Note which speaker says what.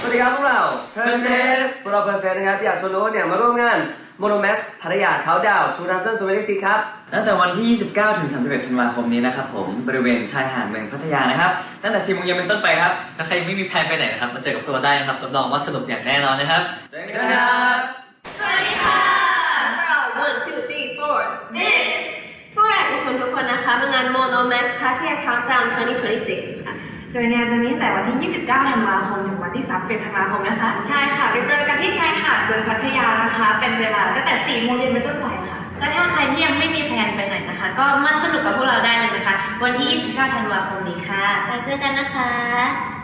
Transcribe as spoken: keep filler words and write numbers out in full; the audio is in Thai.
Speaker 1: วัสดีครับพวกเรา
Speaker 2: Perses
Speaker 1: พวกเรา Perses นะครับอยากชวนโน้ตเนี่ยมาร่วมงาน Monomax พัทยาเขาดาวน์สองพันยี่สิบหกครับ
Speaker 2: ตั้งแต่วันที่ ยี่สิบเก้า ถึง สามสิบเอ็ด ธันวาคมนี้นะครับผมบริเวณชายหาดเมืองพัทยานะครับตั้งแต่ สี่โมงเย็นเป็นต้นไปครับ
Speaker 3: ถ้าใครไม่มีแพลนไปไหนนะครับมาเจอกับพวกเราได้นะครับรับรองว่าสนุกอย่างแน่นอนนะครับ
Speaker 2: เจอกันครับ
Speaker 4: สวัสดีค่ะพวกเรา one two three four this พวกเราอยากจะชวนทุกคนนะคะมางาน Monomax พัทยา Countdown สองพันยี่สิบหกค่ะ
Speaker 5: โดยงานจะมีตั้งแต่วันที่ ยี่สิบเก้า ธันวาคม ถึงวันที่ สามสิบเอ็ด ธันวาคมนะคะ
Speaker 4: ใช่ค่ะไปเจอกันที่ชายหาดเมืองพัทยานะคะเป็นเวลาตั้งแต่ สี่โมงเย็นเป็นต้นไปค่ะก็ถ้าใครที่ยังไม่มีแพลนไปไหนนะคะก็มาสนุกกับพวกเราได้เลยนะคะวันที่ ยี่สิบเก้า ธันวาคมนี้ค่ะแล้วเจอกันนะคะ